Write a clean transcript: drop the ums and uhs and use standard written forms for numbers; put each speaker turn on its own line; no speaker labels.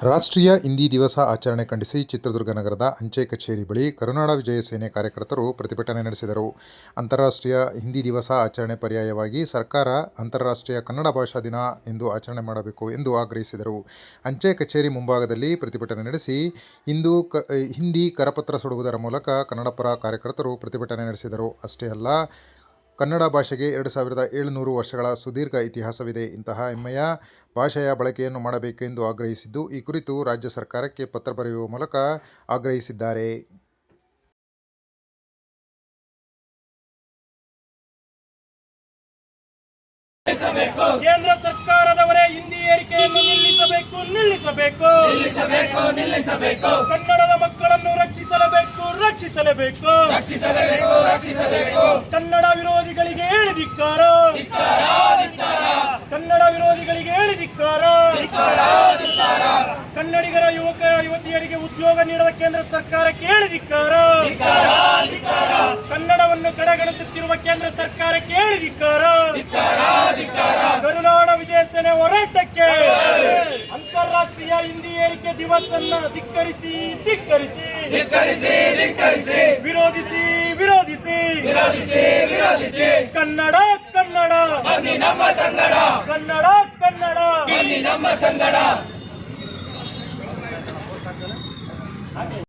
ರಾಷ್ಟ್ರೀಯ ಹಿಂದಿ ದಿವಸ ಆಚರಣೆ ಖಂಡಿಸಿ ಚಿತ್ರದುರ್ಗ ನಗರದ ಅಂಚೆ ಕಚೇರಿ ಬಳಿ ಕರುನಾಡ ವಿಜಯ ಸೇನೆ ಕಾರ್ಯಕರ್ತರು ಪ್ರತಿಭಟನೆ ನಡೆಸಿದರು. ಅಂತಾರಾಷ್ಟ್ರೀಯ ಹಿಂದಿ ದಿವಸ ಆಚರಣೆ ಪರ್ಯಾಯವಾಗಿ ಸರ್ಕಾರ ಅಂತಾರಾಷ್ಟ್ರೀಯ ಕನ್ನಡ ಭಾಷಾ ದಿನ ಎಂದು ಆಚರಣೆ ಮಾಡಬೇಕು ಎಂದು ಆಗ್ರಹಿಸಿದರು. ಅಂಚೆ ಕಚೇರಿ ಮುಂಭಾಗದಲ್ಲಿ ಪ್ರತಿಭಟನೆ ನಡೆಸಿ ಹಿಂದಿ ಕರಪತ್ರ ಸುಡುವುದರ ಮೂಲಕ ಕನ್ನಡಪರ ಕಾರ್ಯಕರ್ತರು ಪ್ರತಿಭಟನೆ ನಡೆಸಿದರು. ಅಷ್ಟೇ ಅಲ್ಲ, ಕನ್ನಡ ಭಾಷೆಗೆ 2700 ವರ್ಷಗಳ ಸುದೀರ್ಘ ಇತಿಹಾಸವಿದೆ. ಇಂತಹ ಹೆಮ್ಮೆಯ ಭಾಷೆಯ ಬಳಕೆಯನ್ನು ಮಾಡಬೇಕೆಂದು ಆಗ್ರಹಿಸಿದ್ದು, ಈ ಕುರಿತು ರಾಜ್ಯ ಸರ್ಕಾರಕ್ಕೆ ಪತ್ರ ಬರೆಯುವ ಮೂಲಕ ಆಗ್ರಹಿಸಿದ್ದಾರೆ.
ಕೇಂದ್ರ ಸರ್ಕಾರದವರೇ ಹಿಂದಿ ಏರಿಕೆಯನ್ನು ನಿಲ್ಲಿಸಬೇಕು. ಕನ್ನಡದ ಮಕ್ಕಳನ್ನು ರಕ್ಷಿಸಲೇಬೇಕು. ಕನ್ನಡ ವಿರೋಧಿಗಳಿಗೆ ಹೇಳಿದಿಕ್ಕಾರ. ಕನ್ನಡಿಗರ ಯುವತಿಯರಿಗೆ ಉದ್ಯೋಗ ನೀಡದ ಕೇಂದ್ರ ಸರ್ಕಾರಕ್ಕೆ ಹೇಳಿದಿಕ್ಕಾರ. ಕನ್ನಡವನ್ನು ಕಡೆಗಣಿಸುತ್ತಿರುವ ಕೇಂದ್ರ ಸರ್ಕಾರಕ್ಕೆ ಹೇಳಿದಿಕ್ಕಾರ. ಕರುನಾಡ ವಿಜಯ ಸೇನೆ ಹೋರಾಟಕ್ಕೆ ಅಂತಾರಾಷ್ಟ್ರೀಯ ಹಿಂದಿ ಏರಿಕೆ ದಿವಸನ್ನ ಧಿಕ್ಕರಿಸಿ ವಿರೋಧಿಸಿ ಕನ್ನಡ ನಮ್ಮ ಸಂಗಡ.